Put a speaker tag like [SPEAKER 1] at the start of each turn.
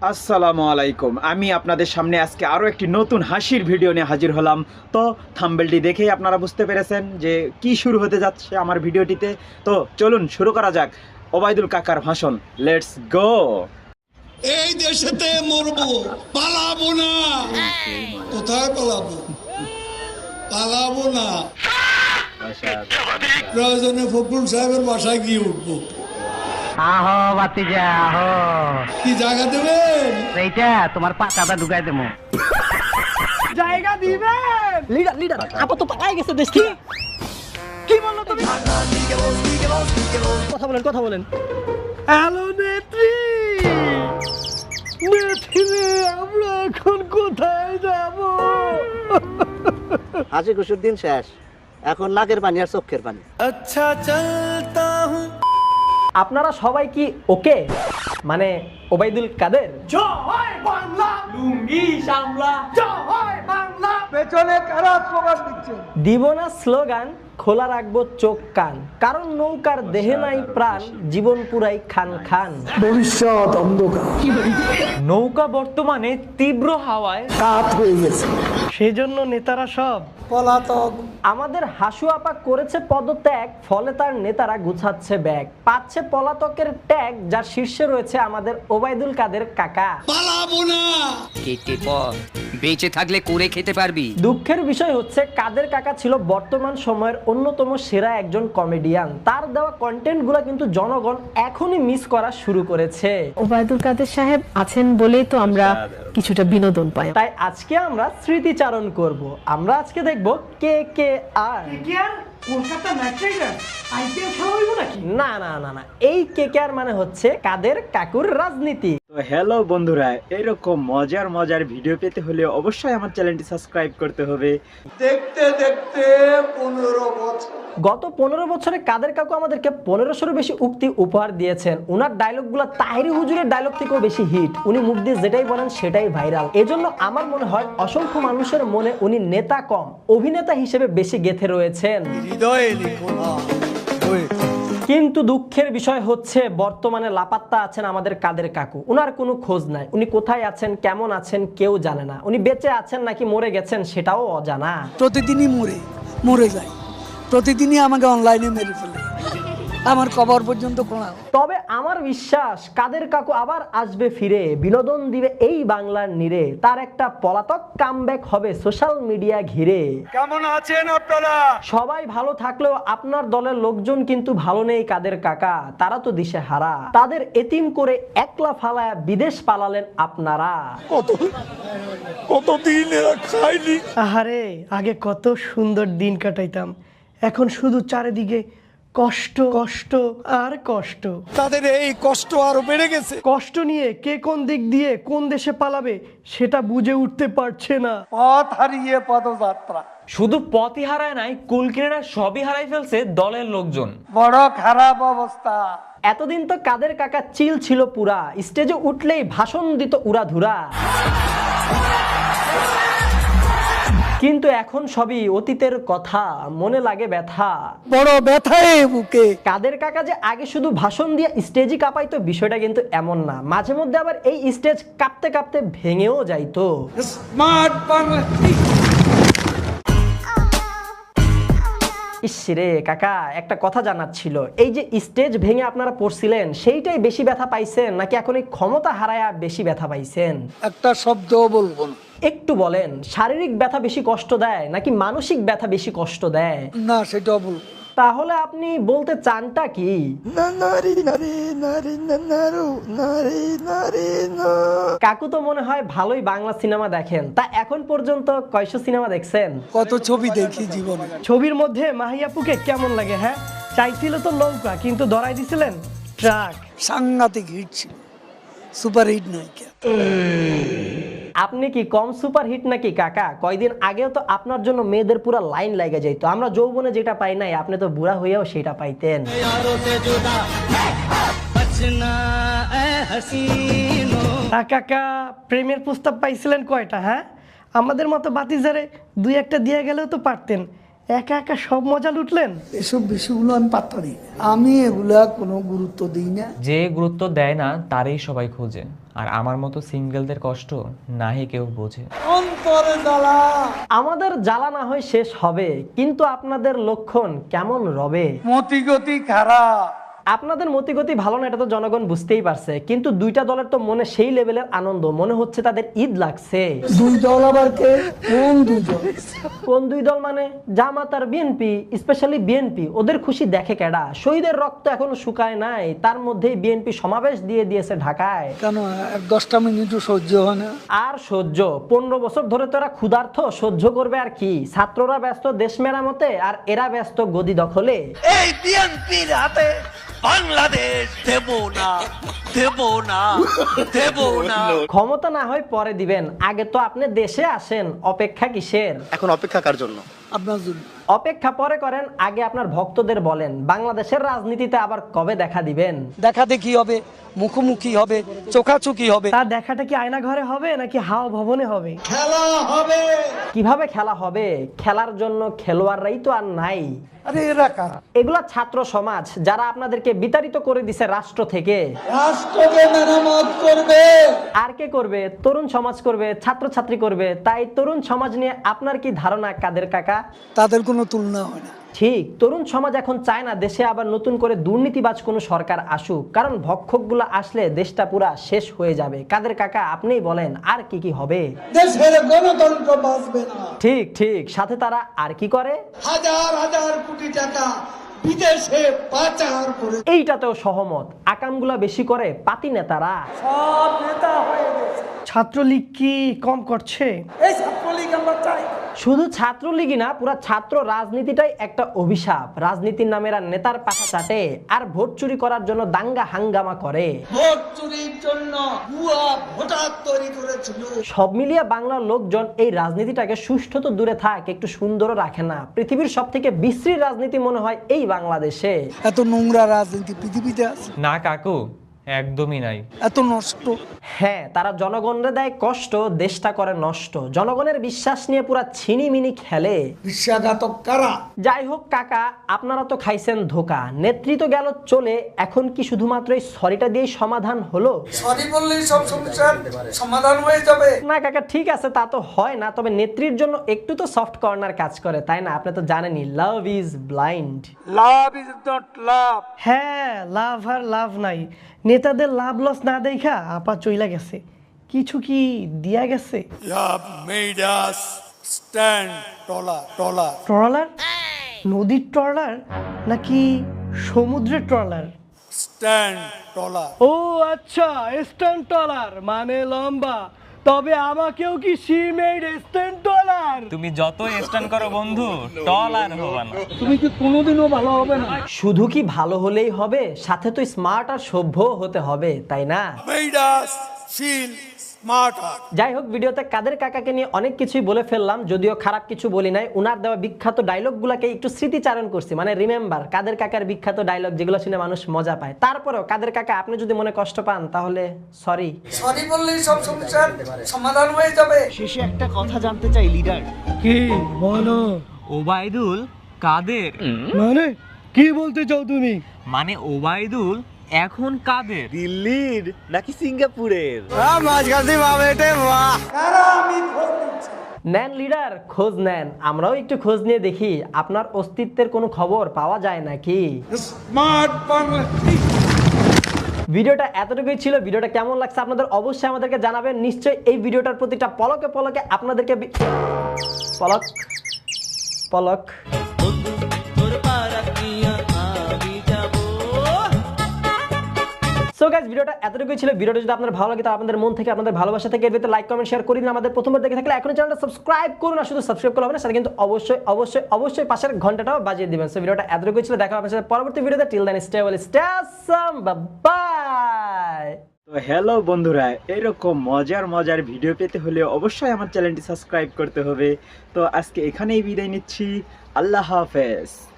[SPEAKER 1] আসসালামু আলাইকুম। আমি আপনাদের সামনে আজকে আরও একটি নতুন হাসির ভিডিও নিয়ে হাজির হলাম। তো থাম্বনেলটি দেখেই আপনারা বুঝতে পেরেছেন যে কি শুরু হতে যাচ্ছে আমার ভিডিওটিতে। তো চলুন শুরু করা যাক ওবায়দুল কাকার ভাষণ। Let's go.
[SPEAKER 2] এই দেশেতে মরবো, পালাবো না। কোথায় পালাবো? পালাবো না। প্রয়োজনে ফখরুল সাহেবের বাসায় গিয়ে উঠবো।
[SPEAKER 3] আহো বাতিজা আহো,
[SPEAKER 2] কি জায়গা দেবেন?
[SPEAKER 3] এইটা তোমার পাতাটা ঢুকাই দেবো।
[SPEAKER 4] জায়গা দিবেন। লিডার লিডার আপাতত পালাই গেছে দেশ কি কি বললো তুমি? কথা বলেন। হ্যালো নেত্রী, নেত্রী আমরা এখন কোথায় যাব?
[SPEAKER 5] হাসি খুশির দিন শেষ, এখন নাকের পানি আর চোখের পানি।
[SPEAKER 4] আচ্ছা চলতা হুঁ। আপনারা সবাই কি ওকে, মানে ওবায়দুল কাদের? জয় বাংলা, লুঙ্গি সামলা, জয় বাংলা। পেছনে কারা স্লোগান দিচ্ছে? দিব না স্লোগান, খোলা রাখবো চোখ কান, কারণ নৌকার দেহে নাই প্রাণ, জীবন পুরাই খান খান। ভবিষ্যৎ অন্ধকার, নৌকা বর্তমানে তীব্র হাওয়ায় কাত হয়ে গেছে, সেজন্য নেতারা সব পলাতক। আমাদের হাসু আপা করেছে পদত্যাগ, ফলে তার নেতারা গুছাচ্ছে ব্যাগ, পাচ্ছে পলাতকের ট্যাগ, যার শীর্ষে রয়েছে আমাদের ওবায়দুল কাদের কাকা।
[SPEAKER 2] পালাবো না।
[SPEAKER 6] কেটে পর বেঁচে থাকলে করে খেতে পারবি।
[SPEAKER 4] দুঃখের বিষয় হচ্ছে কাদের কাকা ছিল বর্তমান সময়ের অন্যতম সেরা একজন কমেডিয়ান। তার দেওয়া কন্টেন্ট গুলা কিন্তু জনগণ এখনই মিস করা শুরু করেছে।
[SPEAKER 7] ওবায়দুল কাদের সাহেব আছেন বলেই তো আমরা কিছুটা বিনোদন পাই।
[SPEAKER 4] তাই আজকে আমরা স্মৃতিচারণ করব। আমরা আজকে দেখব কে কে আর না না না না, এই কে কে আর মানে হচ্ছে কাদের কাকুর রাজনীতি।
[SPEAKER 1] তো হ্যালো বন্ধুরা, এরকম মজার মজার ভিডিও পেতে হলে অবশ্যই আমার চ্যানেলটি সাবস্ক্রাইব করতে হবে।
[SPEAKER 2] দেখতে দেখতে 15 বছর।
[SPEAKER 4] গত 15 বছরে কাদের কাকু আমাদেরকে 1500 বেশি উক্তি উপহার দিয়েছেন। উনার ডায়লগগুলো তাহিরি হুজুরের ডায়লগ থেকেও বেশি হিট। উনি মুখ দিয়ে যেটাই বলেন সেটাই ভাইরাল। এজন্য আমার মনে হয় অসংখ্য মানুষের মনে উনি নেতা কম, অভিনেতা হিসেবে বেশি গেঁথে রয়েছেন।
[SPEAKER 2] হৃদয়ে লিখো না।
[SPEAKER 4] কিন্তু দুঃখের বিষয় হচ্ছে বর্তমানে লাপাত্তা আছেন আমাদের কাদের কাকু। উনার কোনো খোঁজ নাই। উনি কোথায় আছেন, কেমন আছেন কেউ জানে না। উনি বেঁচে আছেন নাকি মরে গেছেন সেটাও অজানা।
[SPEAKER 8] প্রতিদিনই মরে যায়, প্রতিদিনই আমাকে অনলাইনে মেরে ফেলে, আমার কবর পর্যন্ত কোনা।
[SPEAKER 4] তবে আমার বিশ্বাস কাদের কাকু আবার আসবে ফিরে, বিনোদন দিবে এই বাংলার নীড়ে। তার একটা পলাতক কামব্যাক হবে সোশ্যাল মিডিয়া ঘিরে।
[SPEAKER 2] কেমন আছেন আপনারা?
[SPEAKER 4] সবাই ভালো থাকলেও আপনার দলের লোকজন কিন্তু ভালো নেই কাদের কাকা। তারা তো দিশে হারা, তাদের এতিম করে একলা ফালায় বিদেশ পালালেন আপনারা।
[SPEAKER 2] কতদিন এরা খাইনি।
[SPEAKER 9] আহারে, আগে কত সুন্দর দিন কাটাইতাম, এখন শুধু চারিদিকে কষ্ট কষ্ট আর কষ্ট।
[SPEAKER 2] তাদের এই কষ্ট আরো বেড়ে গেছে।
[SPEAKER 9] কষ্ট নিয়ে কে কোন দিক দিয়ে কোন দেশে পালাবে সেটা বুঝে উঠতে পারছে না।
[SPEAKER 8] পথ হারিয়ে পদযাত্রা,
[SPEAKER 10] শুধু পথই হারায় নাই, কুল কিনারা সবই হারাই ফেলছে দলের লোকজন।
[SPEAKER 8] বড় খারাপ অবস্থা।
[SPEAKER 4] এতদিন তো কাদের কাকা চিল ছিল পুরা, স্টেজে উঠলেই ভাষণ দিত উড়াধুরা। কিন্তু এখন সবই অতীতের কথা, মনে লাগে ব্যথা,
[SPEAKER 8] বড় ব্যথায় বুকে।
[SPEAKER 4] কাদের কাকা যে আগে শুধু ভাষণ দিয়ে স্টেজই কাঁপাইতো বিষয়টা কিন্তু এমন না। মাঝে মধ্যে আবার এই স্টেজ কাঁপতে কাঁপতে ভেঙেও যাইতো।
[SPEAKER 2] স্মার্ট বাংলা।
[SPEAKER 4] ইসরে কাকা, একটা কথা জানার ছিল, এই যে স্টেজ ভেঙে আপনারা পড়ছিলেন সেইটাই বেশি ব্যথা পাইছেন নাকি এখন এই ক্ষমতা হারায়া বেশি ব্যথা পাইছেন?
[SPEAKER 8] একটা শব্দ বলবো না।
[SPEAKER 4] একটু বলেন, শারীরিক ব্যথা বেশি কষ্ট দেয় নাকি মানসিক ব্যথা বেশি কষ্ট দেয়?
[SPEAKER 8] না, সেটা বলবো।
[SPEAKER 4] তাহলে আপনি বলতে চানটা কি? কাকু তো মনে হয় ভালোই বাংলা সিনেমা দেখেন। তা এখন পর্যন্ত কয়শো সিনেমা দেখছেন?
[SPEAKER 8] কত ছবি দেখি জীবনে।
[SPEAKER 9] ছবির মধ্যে মাহিয়াপুকে কেমন লাগে? হ্যাঁ, চাইছিল তো নৌকা, কিন্তু ধরাই দিছিলেন ট্রাক।
[SPEAKER 8] সাংঘাতিক হিট ছিল, সুপার হিট নয়।
[SPEAKER 4] আপনি কি কম সুপার হিট নাকি কাকা? কয়দিন আগেও তো আপনার জন্য মেয়েদের পুরো লাইন লাগে যাইতো। আমরা যৌবনে যেটা পাই নাই, আপনি তো বুড়া হইয়াও সেটা পাইতেন।
[SPEAKER 9] কাকা, প্রেমের প্রস্তাব পাইছিলেন কয়টা? হ্যাঁ, আমাদের মতো বাতিজারে দুই একটা দিয়ে গেলেও তো পারতেন। একা একা সব মজা লুটলেন।
[SPEAKER 8] এসব বিষয়গুলো আমি পাত্তা দিই, আমি এগুলা কোনো গুরুত্ব দিই না।
[SPEAKER 10] যে গুরুত্ব দেয় না তারই সবাই খোঁজে। আর আমার মতো সিঙ্গেলদের কষ্ট নাহি কেউ বোঝে।
[SPEAKER 2] অন্তরে জ্বালা।
[SPEAKER 4] আমাদের জ্বালা না হয় শেষ হবে, কিন্তু আপনাদের লক্ষণ কেমন রবে?
[SPEAKER 2] মতিগতি খারাপ।
[SPEAKER 4] আপনাদের মতিগতি ভালো না, এটা তো জনগণ বুঝতেই পারছে, কিন্তু দুইটা দলের তো মনে সেই লেভেলের আনন্দ, মনে হচ্ছে তাদের ঈদ লাগছে।
[SPEAKER 8] দুই দল আবার কে? কোন দুই দল?
[SPEAKER 4] কোন দুই দল মানে জামাত আর বিএনপি, স্পেশালি বিএনপি। ওদের খুশি দেখে কেডা? শহীদের রক্ত এখনো শুকায় নাই, তার মধ্যেই বিএনপি সমাবেশ দিয়ে দিয়েছে ঢাকায়।
[SPEAKER 8] কেন 10টা মিনিটও সহ্য হয় না?
[SPEAKER 4] আর সহ্য 15 বছর ধরে তোরা ক্ষুধার্থ, সহ্য করবে আর কি? ছাত্ররা ব্যস্ত দেশ মেরামতে, আর এরা ব্যস্ত গদি দখলে।
[SPEAKER 2] এই বিএনপির হাতে বাংলাদেশ দেব না, দেব না, দেব না।
[SPEAKER 4] ক্ষমতা না হয় পরে দিবেন, আগে তো আপনি দেশে আসেন। অপেক্ষা কিসের?
[SPEAKER 5] এখন অপেক্ষা কার জন্য?
[SPEAKER 8] আপনার জন্য।
[SPEAKER 4] অপেক্ষা পরে করেন, আগে আপনার ভক্তদের বলেন বাংলাদেশের রাজনীতিতে আবার কবে দেখা দিবেন।
[SPEAKER 8] দেখা দেখি হবে, মুখোমুখি হবে, চোখাচোখি হবে।
[SPEAKER 9] তার দেখাটা কি আয়না ঘরে হবে নাকি হাওয়া ভবনে হবে?
[SPEAKER 2] খেলা হবে।
[SPEAKER 4] কিভাবে খেলা হবে? খেলার জন্য খেলোয়াড়রাই তো আর নাই।
[SPEAKER 8] আরে এরা কারা?
[SPEAKER 4] এগুলা ছাত্র সমাজ, যারা আপনাদেরকে বিতাড়িত করে দিছে রাষ্ট্র থেকে।
[SPEAKER 2] রাষ্ট্রকে মেরামত করবে।
[SPEAKER 4] আর কে করবে? তরুণ সমাজ করবে, ছাত্রছাত্রী করবে। তাই তরুণ সমাজ নিয়ে আপনার কি ধারণা কাদের কাকা?
[SPEAKER 8] তাদের কোনো তুলনা হয় না।
[SPEAKER 4] ঠিক, তরুণ সমাজ এখন চায় না দেশে আবার নতুন করে দুর্নীতিবাজ কোনো সরকার আসুক, কারণ ভক্ষকগুলো আসলে দেশটা পুরা শেষ হয়ে যাবে। কাদের কাকা আপনিই বলেন আর কি কি হবে?
[SPEAKER 2] দেশের গণতন্ত্র বাঁচবে না।
[SPEAKER 4] ঠিক ঠিক, সাথে তারা আর কি করে?
[SPEAKER 2] হাজার হাজার কোটি টাকা বিদেশে পাচার করে।
[SPEAKER 4] এইটাতেও সহমত, আকামগুলা বেশি করে পাতি নেতারা।
[SPEAKER 2] সব নেতা হয়ে গেছে।
[SPEAKER 9] ছাত্রলীগ কি কম করছে?
[SPEAKER 2] এই ছাত্রলীগ আমরা চাই।
[SPEAKER 4] শুধু ছাত্রলীগই না, পুরা ছাত্র রাজনীতিটাই একটা অভিশাপ। রাজনীতির নামে এরা নেতার পাশা চাটে আর ভোট চুরি করার জন্য দাঙ্গা হাঙ্গামা করে।
[SPEAKER 2] ভোট চুরির জন্য ভুয়া ভোটার তৈরি করেছিল।
[SPEAKER 4] সব মিলিয়ে বাংলার লোকজন এই রাজনীতিটাকে সুষ্ঠু তো দূরে থাক, একটু সুন্দরও রাখে না। পৃথিবীর সব থেকে বিশ্রী রাজনীতি মনে হয় এই বাংলাদেশে।
[SPEAKER 8] এত নোংরা রাজনীতি পৃথিবীতে আছে?
[SPEAKER 10] না কাকু, একদমই নাই।
[SPEAKER 8] এত নষ্ট।
[SPEAKER 4] হ্যাঁ, তারা জনগণরে দেয় কষ্ট, দেশটা করে নষ্ট। জনগণের বিশ্বাস নিয়ে পুরা ছিনিমিনি খেলে।
[SPEAKER 2] বিশ্বাসঘাতক কারা?
[SPEAKER 4] যাই হোক কাকা, আপনারা তো খাইছেন ধোকা। নেতৃত্ব গেল চলে, এখন কি শুধুমাত্র এই সরিটা দিয়েই সমাধান হলো?
[SPEAKER 2] সরি বললেই সব সমস্যার সমাধান হয়ে যাবে?
[SPEAKER 4] না কাকা, ঠিক আছে, তা তো হয় না, তবে নেত্রীর জন্য একটু তো সফট কর্নার কাজ করে, তাই না? আপনি তো জানেনই, love is blind.
[SPEAKER 2] Love is not love.
[SPEAKER 9] হ্যাঁ, লাভ আর লাভ নাই। নেতাদের লাভ লস না দেখা আপা চইলা গেছে। কিছু কি দিয়া গেছে?
[SPEAKER 2] You have made us stand taller, taller.
[SPEAKER 9] Trawler? নদীর ট্রলার নাকি সমুদ্রের ট্রলার?
[SPEAKER 2] Stand taller.
[SPEAKER 9] ও আচ্ছা, স্ট্যান্ড ট্রলার মানে লম্বা। তবে আমাকেও কি শি মেড স্ট্যান্ড ট্রলার?
[SPEAKER 10] তুমি যত স্ট্যান্ড করো বন্ধু, টল আর হবে না।
[SPEAKER 8] তুমি কি কোনোদিনও ভালো হবে না?
[SPEAKER 4] শুধু কি ভালো হলেই হবে, সাথে তো স্মার্ট আর সভ্য হতে হবে, তাই না?
[SPEAKER 2] Made us feel smarter.
[SPEAKER 4] যাই হোক, ভিডিওতে কাদের কাকাকে নিয়ে অনেক কিছুই বলে ফেললাম, যদিও খারাপ কিছু বলি নাই। উনার দেওয়া বিখ্যাত ডায়লগগুলোকে একটু স্মৃতিচারণ করছি, মানে রিমেম্বার কাদের কাকার বিখ্যাত ডায়লগ, যেগুলো শুনে মানুষ মজা পায়। তারপরেও কাদের কাকা, আপনি যদি মনে কষ্ট পান তাহলে সরি।
[SPEAKER 2] সরি বললেই সব সমস্যার সমাধান হয়ে যাবে।
[SPEAKER 5] শেষে একটা কথা জানতে চাই লিডার।
[SPEAKER 9] কি বলো?
[SPEAKER 10] ওবায়দুল কাদের?
[SPEAKER 9] মানে কি বলতে চাও তুমি?
[SPEAKER 10] মানে ওবায়দুল এখন কাদের?
[SPEAKER 5] দিল্লির নাকি সিঙ্গাপুরের?
[SPEAKER 4] নেন লিডার, খোঁজ নেন, আমরাও একটু খোঁজ নিয়ে দেখি আপনার অস্তিত্বের কোনো খবর পাওয়া যায় নাকি।
[SPEAKER 2] স্মার্ট বাংলা।
[SPEAKER 4] ভিডিওটা এতটুকুই ছিল। ভিডিওটা কেমন লাগছে আপনাদের অবশ্যই আমাদেরকে জানাবেন। নিশ্চয়ই এই ভিডিওটার প্রতিটা পলকে পলকে আপনাদেরকে পলক পলক সো গাইস, ভিডিওটা এতটুকুই ছিল। ভিডিওটা যদি আপনাদের ভালো লাগে, তো আপনাদের মন থেকে, আপনাদের ভালোবাসা থেকে এর ভিতরে লাইক কমেন্ট শেয়ার করে দিন। আমাদের প্রথমবার দেখে থাকলে এখনই চ্যানেলটা সাবস্ক্রাইব করুন, না শুধু সাবস্ক্রাইব করলে হবে না, সাথে কিন্তু অবশ্যই অবশ্যই অবশ্যই পাশের ঘন্টাটাও বাজিয়ে দিবেন। সো ভিডিওটা এতটুকুই ছিল, দেখা হবে আপনাদের সাথে পরবর্তী ভিডিওতে। Till then stay well, stay awesome, bye.
[SPEAKER 1] তো হ্যালো বন্ধুরা, এরকম মজার মজার ভিডিও পেতে হলে অবশ্যই আমার চ্যানেলটি সাবস্ক্রাইব করতে হবে। তো আজকে এখানেই বিদায় নিচ্ছি। আল্লাহ হাফেজ।